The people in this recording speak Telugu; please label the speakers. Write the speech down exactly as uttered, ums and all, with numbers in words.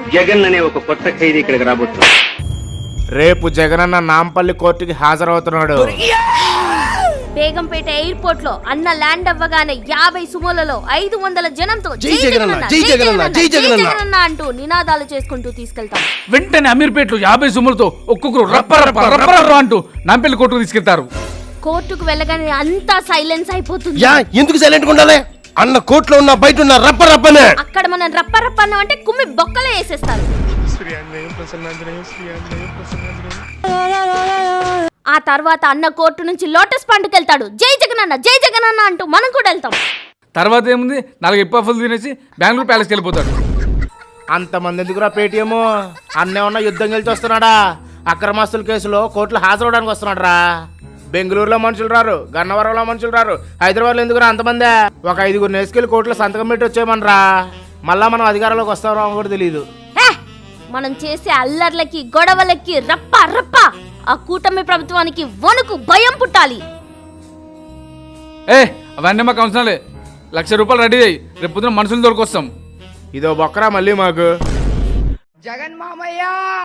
Speaker 1: జగన్ అనే ఒక కొత్త ఖైదీ ఇక్కడికి రాబోతున్నాడు.
Speaker 2: రేపు జగనన్న నాంపల్లి కోర్టుకి హాజరవుతున్నాడు.
Speaker 3: బేగంపేట ఎయిర్పోర్ట్ లో అన్న ల్యాండ్ అవ్వగానే యాభై సుమోలలో ఐదు వందల జనంతో
Speaker 4: జై జగనన్న, జై జగనన్న, జై జగనన్న
Speaker 3: అంటూ నినాదాలు చేసుకుంటూ తీసుకెళ్తాం.
Speaker 5: వెంటనే అమీర్పేటలో యాభై సుమ్ములతో ఒక్కొక్కరు రప్ప రప్ప రప్ప రప్ప అంటూ నాంపల్లి కోర్టుకు తీసుకెళ్తారు.
Speaker 3: కోర్టుకు వెళ్ళగానే అంతా సైలెన్స్ అయిపోతుంది.
Speaker 4: యా ఎందుకు సైలెంట్ ఉండాలి? అన్న కోర్టులో ఉన్న బయట ఉన్న రప్ప రప్పనే.
Speaker 3: అక్కడ మనం రప్ప రప్ప అన్నం అంటే కుమ్మి బొక్కలే వేసేస్తారు. ఆ తర్వాత అన్న కోర్టు నుంచి లోటస్ పండుకెళ్తాడు. జై జగనన్న, జై జగనన్న అంటూ మనం కూడా వెళ్తాం.
Speaker 5: తర్వాత ఏముంది, నాలుగు ఎప్పఫులు తినేసి బెంగళూరు ప్యాలెస్కి వెళ్ళిపోతాడు.
Speaker 2: అంతమంది ఎందుకురా పేటీఎం? అన్నేమన్నా యుద్ధం గెలిచి వస్తున్నాడా? అక్రమాస్తుల కేసులో కోర్టులో హాజరవడానికి వస్తున్నాడు రా. బెంగళూరులో మనుషులు రారు, గన్నవరంలో మనుషులు రారు, హైదరాబాద్లో ఎందుకురా అంతమంది? ఒక ఐదుగురు నేసుకెళ్ళి కోర్టులో సంతకం పెట్టి వచ్చేయమనరా. మళ్ళా మనం అధికారంలోకి వస్తామో కూడా తెలియదు.
Speaker 3: మనం చేసే అల్లర్లకి గొడవలకి రప్ప రప్ప ఆ కూటమి ప్రభుత్వానికి వణుకు భయం పుట్టాలి.
Speaker 5: ఏ అవన్నీ మాకు అవసరాలే. లక్ష రూపాయలు రెడీ అయ్యి రేపు పొద్దున మనుషులు దొరికొస్తాం.
Speaker 2: ఇదో బొక్కరా మళ్ళీ మాకు.
Speaker 6: జగన్ మామయ్య